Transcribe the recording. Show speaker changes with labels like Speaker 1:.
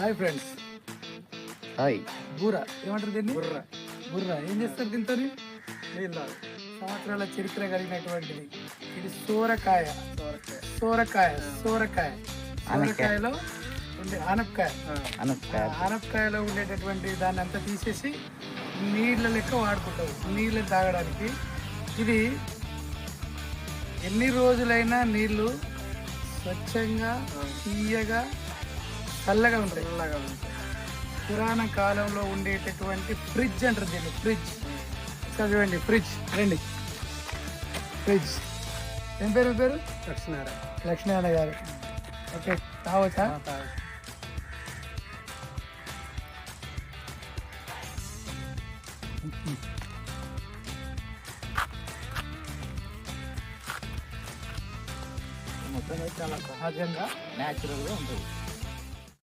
Speaker 1: Hi friends.
Speaker 2: Hi.
Speaker 1: బూర ఏమంటారు దీన్ని?
Speaker 3: బుర్ర
Speaker 1: బుర్ర. ఏం చేస్తారు దీంతో?
Speaker 3: నీళ్ళు
Speaker 1: సంవత్సరాల చరిత్ర కలిగినటువంటిది. ఇది సోరకాయ.
Speaker 3: సోరకాయ
Speaker 1: సోరకాయ సోరకాయ సోరకాయలో ఉండే ఆనపకాయ.
Speaker 2: అనపకాయ.
Speaker 1: ఆనపకాయలో ఉండేటటువంటి దాన్ని అంతా తీసేసి నీళ్ళ లెక్క వాడుకుంటారు, నీళ్ళు తాగడానికి. ఇది ఎన్ని రోజులైనా నీళ్ళు స్వచ్ఛంగా తీయగా చల్లగా ఉంటాయి.
Speaker 3: చల్లగా ఉంటాయి.
Speaker 1: పురాణ కాలంలో ఉండేటటువంటి ఫ్రిడ్జ్ అంటారు దీన్ని, ఫ్రిడ్జ్. చదివండి, ఫ్రిడ్జ్. రండి, ఫ్రిడ్జ్. ఏం పేరు? పేరు
Speaker 3: లక్ష్మీనారాయణ.
Speaker 1: లక్ష్మీనారాయణ గారు. ఓకే, తాగొచ్చా? మొత్తం చాలా సహజంగా
Speaker 2: న్యాచురల్గా ఉంటుంది.